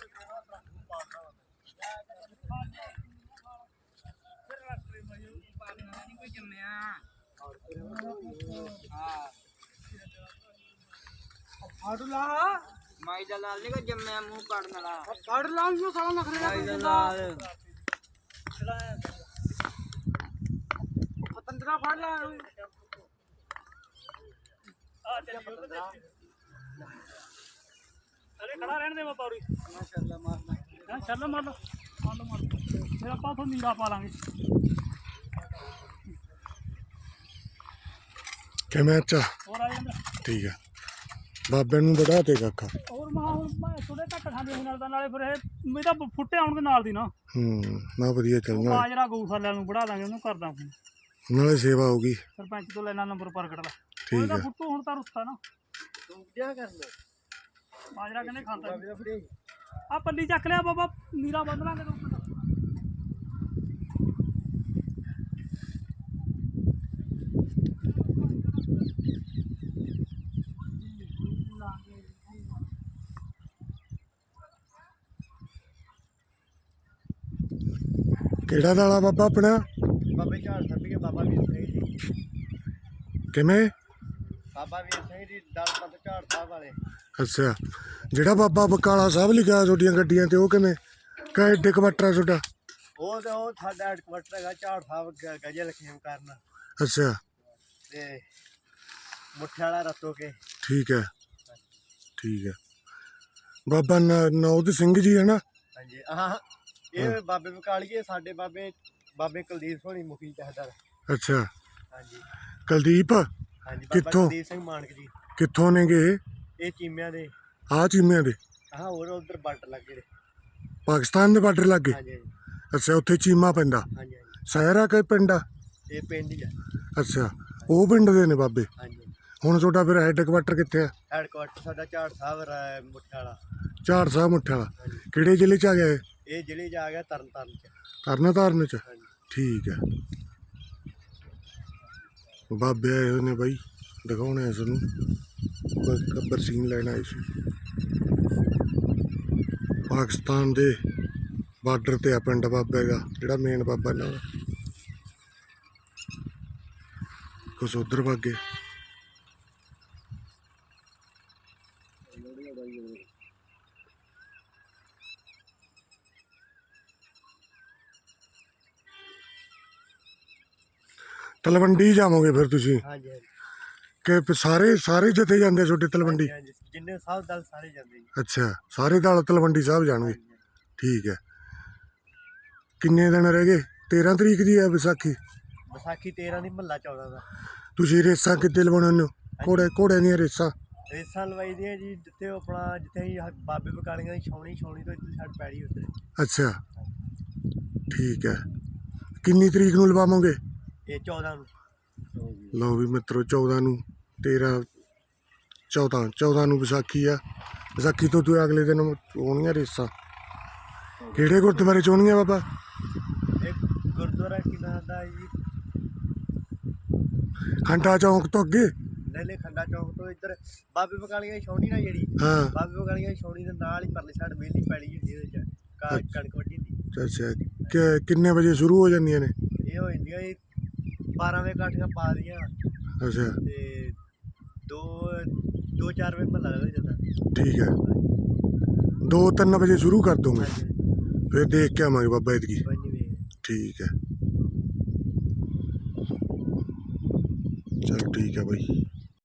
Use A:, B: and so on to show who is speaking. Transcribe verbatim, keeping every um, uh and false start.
A: ਮਾਈ ਦਾ ਲਾਲ ਨੀ ਕੋ ਜੰਮਿਆ ਮੂੰਹ ਕੱਢਣ ਵਾਲਾ
B: ਕੱਢ ਲਾਂ ਨੂੰ ਸਾਲਾ ਨਖਰੇ
A: ਮਾਈ ਦਾ ਲਾਲ
B: ਪਤੰਦਰਾ ਫੜ ਲਾ
C: ਆ ਚੱਲ ਅਰੇ ਖੜਾ ਰਹਿਣ ਦੇ ਮੈਂ ਪੌੜੀ
B: ਮਾਸ਼ਾਅੱਲਾ ਮਾਰਨਾ
C: ਹਾਂ ਚੱਲ ਮਾਰ ਲਓ ਮਾਰ ਲਓ ਮਾਰ ਲਓ ਫਿਰ ਆਪਾਂ ਤੋਂ ਨੀਰਾ ਪਾ ਲਾਂਗੇ
D: ਕਿਵੇਂ ਅੱਛਾ
C: ਹੋਰ ਆ ਜਾਂਦਾ
D: ਠੀਕ ਹੈ ਬਾਬੇ ਨੂੰ ਵਧਾ ਤੇ ਕਾਕਾ
C: ਹੋਰ ਮਾਂ ਹੁਣ ਮੈਂ ਥੋੜੇ ਘੱਟ ਖਾਂਦੇ ਸੀ ਨਾਲ ਦਾ ਨਾਲੇ ਫਿਰ ਇਹ ਮੈਂ ਤਾਂ ਫੁੱਟੇ ਆਉਣਗੇ ਨਾਲ ਦੀ ਨਾ
D: ਹੂੰ ਨਾ ਵਧੀਆ ਚੱਲਣਾ
C: ਬਾਜਰਾ ਗਊਸ਼ਾਲਿਆਂ ਨੂੰ ਬੜਾ ਦਾਂਗੇ ਉਹਨੂੰ ਕਰਦਾ ਹੁਣ
D: ਨਾਲੇ ਸੇਵਾ ਹੋਗੀ
C: ਸਰਪੰਚ ਤੋਂ ਲੈਣਾ ਨੰਬਰ ਪ੍ਰਗਟ ਦਾ
D: ਠੀਕ
C: ਉਹਦਾ
D: ਹੈ
C: ਫੁੱਟੂ ਹੁਣ ਤਾਂ ਰੁੱਸਤਾ ਨਾ
B: ਤੂੰ ਕਿਆ ਕਰ ਲੈ
C: ਬਾਜਰਾ ਕਹਿੰਦੇ ਖਾਂਦਾ
B: ਬਾਬੇ ਦਾ ਫੜੀ
C: ਆ ਪੱਲੀ ਚੱਕ ਲਿਆ ਬਾਬਾ ਨੀਰਾ ਬੰਨ ਲਾਂਗੇ ਤੂੰ
D: ਕਿਹੜਾ ਦਾਲਾ ਬਾਬਾ ਆਪਣਾ
B: ਬਾਬੇ ਝਾੜ ਛੱਡ ਕੇ ਬਾਬਾ ਵੀਰ ਸਿੰਘ ਜੀ
D: ਕਿਵੇਂ
B: ਬਾਬਾ ਵੀਰ ਸਿੰਘ ਜੀ ਦਲਪਤ ਝਾੜ ਸਾਹਿਬ ਵਾਲੇ
D: ਅੱਛਾ ਜਿਹੜਾ ਬਾਬਾ ਬਕਾਲਾ ਸਾਹਿਬ ਲਿਖਿਆ ਤੁਹਾਡੀਆਂ ਗੱਡੀਆਂ ਤੇ ਉਹ ਕਿਵੇਂ ਕਾ ਏਡੇ ਕਵਟਰਾ ਤੁਹਾਡਾ
B: ਉਹ ਤੇ ਉਹ ਸਾਡਾ ਹੈਡਕੁਆਟਰ ਹੈਗਾ ਝਾੜ ਸਾਹਿਬ ਗ- ਗਜਲ ਖੇਮ ਕਰਨ
D: ਅੱਛਾ
B: ਤੇ ਮੁੱਠੇ ਵਾਲਾ ਰਤੋ ਕੇ
D: ਠੀਕ ਹੈ ਠੀਕ ਹੈ ਬਾਬਾ ਨ- ਨੌਦ ਸਿੰਘ ਜੀ ਹੈ ਨਾ
B: ਹਾਂਜੀ ਹਾਂ ਇਹ ਬਾਬੇ ਬਕਾਲੀਏ ਸਾਡੇ ਬਾਬੇ ਬਾਬੇ ਕੁਲਦੀਪ ਸੋਹਣੀ ਮੁਖੀ ਚਾਹਦਰ
D: ਅੱਛਾ
B: ਹਾਂਜੀ
D: ਕੁਲਦੀਪ
B: ਹਾਂਜੀ ਬਾਬਾ
D: ਕਿੱਥੋਂ?
B: ਕੁਲਦੀਪ ਸਿੰਘ ਮਾਨਕ ਜੀ
D: ਕਿੱਥੋਂ ਨੇਗੇ ਇਹ
B: ਇਹ ਚੀਮਿਆਂ ਦੇ
D: ਆਹ ਚੀਮਿਆਂ ਦੇ
B: ਹਾਂ ਹੋਰ ਉਧਰ ਬਾਰਡਰ ਲੱਗੇ ਨੇ
D: ਪਾਕਿਸਤਾਨ ਦੇ ਬਾਰਡਰ ਲੱਗੇ
B: ਹਾਂਜੀ ਹਾਂਜੀ
D: ਅੱਛਾ ਉੱਥੇ ਚੀਮਾ ਪੈਂਦਾ
B: ਹਾਂਜੀ ਹਾਂਜੀ
D: ਸ਼ਹਿਰ ਆ ਕਿ ਪਿੰਡ ਆ
B: ਇਹ ਪਿੰਡ ਹੀ ਆ
D: ਅੱਛਾ ਉਹ ਪਿੰਡ ਦੇ ਨੇ ਬਾਬੇ
B: ਹਾਂਜੀ
D: ਹੁਣ ਤੁਹਾਡਾ ਫਿਰ ਹੈੱਡ ਕੁਆਟਰ ਕਿੱਥੇ ਆ
B: ਹੈਡਕੁਆਟਰ ਸਾਡਾ ਝਾੜ ਸਾਹਿਬ ਰਾ- ਮੁੱਠੇ ਵਾਲਾ
D: ਝਾੜ ਸਾਹਿਬ ਮੁੱਠੇ ਵਾਲਾ
B: ਹਾਂਜੀ
D: ਕਿਹੜੇ ਜ਼ਿਲ੍ਹੇ ਚ ਆ ਗਿਆ ਇਹ
B: ਇਹ ਜ਼ਿਲ੍ਹੇ 'ਚ ਆ ਗਿਆ ਤਰਨ ਤਾਰਨ ਚ
D: ਤਰਨਾ ਤਾਰਨ ਚ
B: ਹਾਂਜੀ
D: ਠੀਕ ਹੈ ਬਾਬੇ ਆਏ ਹੋਏ ਨੇ ਬਾਈ ਦਿਖਾਉਣੇ ਆ ਸਾਨੂੰ ਗੱਬਰ ਸੀਨ ਲੈਣ ਆਏ ਸੀ ਪਾਕਿਸਤਾਨ ਦੇ ਬਾਰਡਰ ਤੇ ਆ ਪਿੰਡ ਬਾਬੇ ਦਾ ਜਿਹੜਾ ਮੇਨ ਬਾਬਾ ਇਹਨਾਂ ਦਾ ਕੁਛ ਉਧਰ ਵਾਗੇ ਤਲਵੰਡੀ ਜਾਵੋਗੇ ਫਿਰ ਤੁਸੀਂ
B: ਹਾਂਜੀ ਹਾਂਜੀ
D: ਕਿ ਸਾਰੇ ਸਾਰੇ ਜਥੇ ਜਾਂਦੇ ਆ ਤੁਹਾਡੇ ਤਲਵੰਡੀ
B: ਹਾਂਜੀ ਜਿੰਨੇ ਸਾਹਿਬ ਦਲ ਸਾਰੇ ਜਾਂਦੇ ਜੀ
D: ਅੱਛਾ ਸਾਰੇ ਦਲ ਤਲਵੰਡੀ ਸਾਹਿਬ ਜਾਣਗੇ ਠੀਕ ਹੈ ਕਿੰਨੇ ਦਿਨ ਰਹਿ ਗਏ ਤੇਰਾਂ ਤਰੀਕ ਦੀ ਹੈ ਵਿਸਾਖੀ
B: ਵਿਸਾਖੀ ਤੇਰਾਂ ਦੀ ਮਹੱਲਾ ਚੌਦਾਂ ਦਾ
D: ਤੁਸੀਂ ਰੇਸਾਂ ਕਿੱਥੇ ਲਵਾਉਣੇ ਹੋ ਘੋੜੇ ਘੋੜੇ ਦੀਆਂ ਰੇਸਾਂ
B: ਰੇਸਾਂ ਲਵਾਈ ਦੀਆਂ ਜੀ ਜਿੱਥੇ ਉਹ ਆਪਣਾ ਜਿੱਥੇ ਅਸੀਂ ਆਹ ਬਾਬੇ ਬਕਾਲੀਆਂ ਦੀ ਛਾਉਣੀ ਛਾਉਣੀ ਤੋਂ ਇੱਥੇ ਸਾਡ ਪੈੜੀ ਉੱਤੇ
D: ਅੱਛਾ ਠੀਕ ਹੈ ਕਿੰਨੀ ਤਰੀਕ ਨੂੰ ਲਵਾਵਾਂਗੇ
B: ਇਹ ਚੌਦਾਂ ਨੂੰ
D: ਲਓ ਵੀ ਮਿੱਤਰੋ ਚੌਦਾਂ ਨੂੰ ਤੇਰਾਂ ਚੌਦਾਂ ਚੌਦਾਂ ਨੂੰ ਵਿਸਾਖੀ ਆ ਵਿਸਾਖੀ ਤੋਂ ਤੂੰ ਅਗਲੇ ਦਿਨ ਹੋਣੀਆਂ ਰੇਸਾਂ ਕਿਹੜੇ ਗੁਰਦੁਆਰੇ ਚ ਹੋਣੀਆਂ ਬਾਬਾ
B: ਇਹ ਗੁਰਦੁਆਰਾ ਕੀ ਨਾਂ ਦਾ ਜੀ
D: ਖੰਡਾ ਚੌਂਕ ਤੋਂ ਅੱਗੇ
B: ਨੇਲੇ ਖੰਡਾ ਚੌਂਕ ਤੋਂ ਇੱਧਰ ਬਾਬੇ ਬਕਾਲੀਆਂ ਦੀ ਛਾਉਣੀ ਨਾ ਜਿਹੜੀ
D: ਹਾਂ
B: ਬਾਬੇ ਬਕਾਲੀਆਂ ਦੀ ਛਾਉਣੀ ਦੇ ਨਾਲ ਹੀ ਪਰਲੇ ਸਾਈਡ ਵਿਹਲੀ ਪੈੜੀ ਹੁੰਦੀ ਉਹਦੇ ਚ ਕਾ- ਕਣਕ ਵੱਢੀ ਦੀ
D: ਅੱਛਾ ਕਿ ਕਿੰਨੇ ਵਜੇ ਸ਼ੁਰੂ ਹੋ ਜਾਂਦੀਆਂ ਨੇ
B: ਇਹ ਹੋ ਜਾਂਦੀਆਂ ਜੀ ਬਾਰਾਂ ਵਜੇ ਕਾਠੀਆਂ ਪਾ ਦੀਆਂ
D: ਅੱਛਾ
B: ਤੇ ਦੋ ਦੋ ਚਾਰ ਵਜੇ ਮਹੱਲਾ ਲੱਗ ਜਾਂਦਾ
D: ਠੀਕ ਹੈ ਦੋ ਤਿੰਨ ਵਜੇ ਸ਼ੁਰੂ ਕਰ ਦੋਗੇ
B: ਹਾਂਜੀ
D: ਫਿਰ ਦੇਖ ਕੇ ਆਵਾਂਗੇ ਬਾਬਾ ਇਤਕੀ
B: ਕੋਈ ਨਹੀਂ ਵੇਖ
D: ਠੀਕ ਹੈ ਚਲ ਠੀਕ ਹੈ ਬਾਈ